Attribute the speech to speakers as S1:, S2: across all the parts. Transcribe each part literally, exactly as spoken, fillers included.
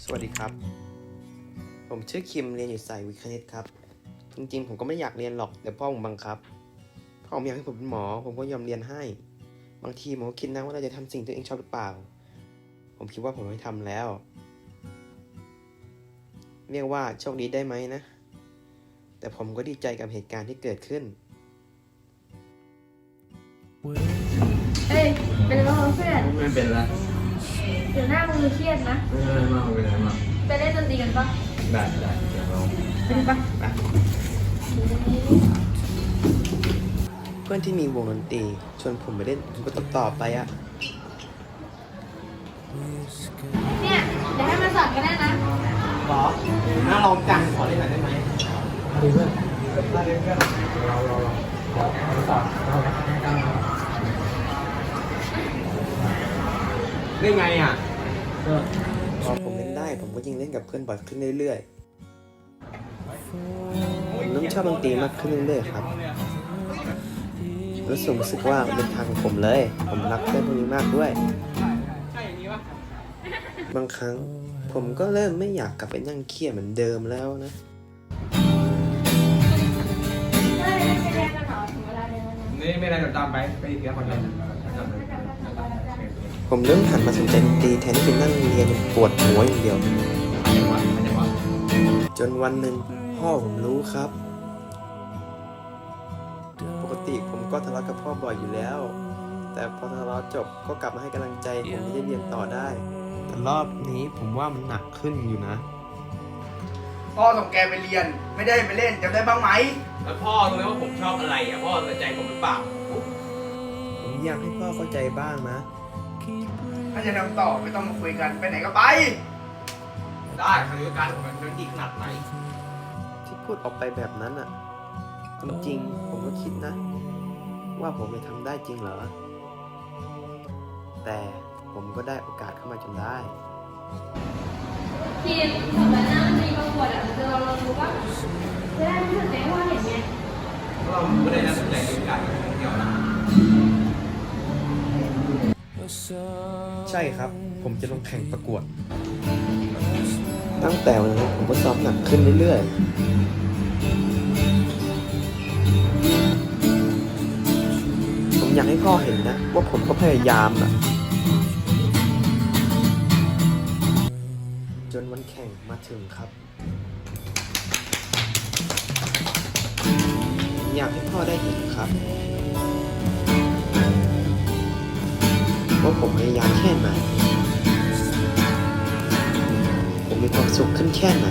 S1: สวัสดีครับผมชื่อคิมเรียนอยู่สายวิทย์คณิตครับจริงๆผมก็ไม่อยากเรียนหรอกแต่พ่อผมบังคับพ่อผมอยากให้ผมเป็นหมอผมก็ยอมเรียนให้บางทีผมก็คิดนะว่าเราจะทำสิ่งที่ตัวเองชอบหรือเปล่าผมคิดว่าผมไม่ทำแล้วเรียกว่าโชคดีได้ไหมนะแต่ผมก็ดีใจกับเหตุการณ์ที่เกิดขึ้น
S2: เอ้ยเป็นไรบ้างเพื่อน
S3: ไม่เป็นไร
S2: เดี๋ยวหน้ามึงเครียดนะ
S3: ไม่เป็นไรมากไม่เป็นไรมาก
S2: ไปเล่นดนตรีกันปะ
S3: ได้ได้เดี๋ยวเรา
S2: ไปดิปะ
S1: เพื่อนที่มีวงดนตรีชวนผมไปเล่นผมก็ตอบไปอะ
S2: เนี่ยเดี๋ยวให้มาสอนกันได้นะ
S1: หรอน่าลองจังขอเล่นหน่อยได้ไหมดีเพื่อนได้เพื่อนเราเราเราเดี๋ยวเราสอนเราเล่นไงอ่ะพอผมเล่นได้ผมก็ยิ่งเล่นกับเพื่อนบ่อยขึ้นเรื่อยๆผมเริ่มชอบดนตรีมากขึ้นเรื่อยๆครับรู้สึกรู้สึกว่าเป็นทางของผมเลยผมรักเพื่อนพวกนี้มากด้วยบางครั้งผมก็เริ่มไม่อยากกลับไปนั่งเครียดเหมือนเดิมแล้วนะ
S3: นี่ไม่ได้จะตามไปไปอีกแล้วคนเดียว
S1: ผมเริ่มหันมาสนใจดนตรีแทนที่จะนั่งเรียนปวดหัวอย่างเดียวจนวันหนึ่งพ่อผมรู้ครับปกติผมก็ทะเลาะกับพ่อบ่อยอยู่แล้วแต่พอทะเลาะจบก็กลับมาให้กำลังใจผมที่จะเรียนต่อได้แต่รอบนี้ผมว่ามันหนักขึ้นอยู่นะ
S4: พ่อส่งแกไปเรียนไม่ได้ไปเล่นจำได้บ้างไหม
S3: แล้วพ่อรู้ไหมว่าผมชอบอะไรอ่ะพ่อสนใจผมหรือเปล่า
S1: ผมอยากให้พ่อเข้าใจบ้างนะ
S4: ถ้าจะทำต่อไม่ต้องมาคุยกันไปไหนก็ไป
S3: ได้ทางการผมเป็นดีขนาดไหน
S1: ที่พูดออกไปแบบนั้นอ่ะจริงๆผมก็คิดนะว่าผมจะทำได้จริงเหรอแต่ผมก็ได้โอกาสเข้ามาจนได้
S2: ทีมสมัยหน้ามันมีประกวดอ่ะจะเราเรารู้ป่ะจะได้รู้สึกไหมว่าเห็นไง
S3: เราไม่ได้น่าสนใจเรื่องการเกี่ยวนะ
S1: ใช่ครับผมจะลงแข่งประกวดตั้งแต่วันนั้นผมก็ซ้อมหนักขึ้นเรื่อยๆผมอยากให้พ่อเห็นนะว่าผมก็พยายามนะจนวันแข่งมาถึงครับผมอยากให้พ่อได้เห็นครับว่าผมพยายามแค่ไหนผมมีความสุขขึ้นแค่ไหน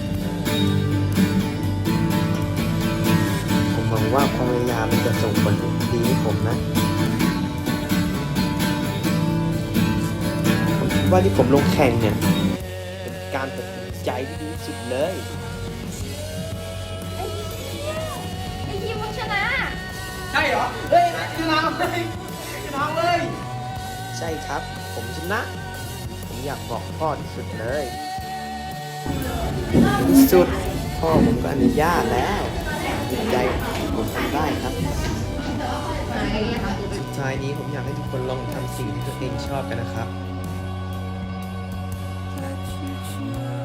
S1: ผมหวังว่าความพยายามมันจะส่งผลดีให้ผมนะผมคิดว่าที่ผมลงแข่งเนี่ยเป็นการตัดสินใจที่ดีที่สุดเลย
S2: ไอ้ทีมมันชนะ
S4: ใช่เหรอเฮ้ยชนะเลยชนะเลย
S1: ใช่ครับผมชนะผมอยากบอกพ่อที่สุดเลยที่สุดพ่อผมก็อนุญาตแล้วดีใจผมทำได้ครับสุดท้ายนี้ผมอยากให้ทุกคนลองทำสิ่งที่ตัวเองชอบกันนะครับ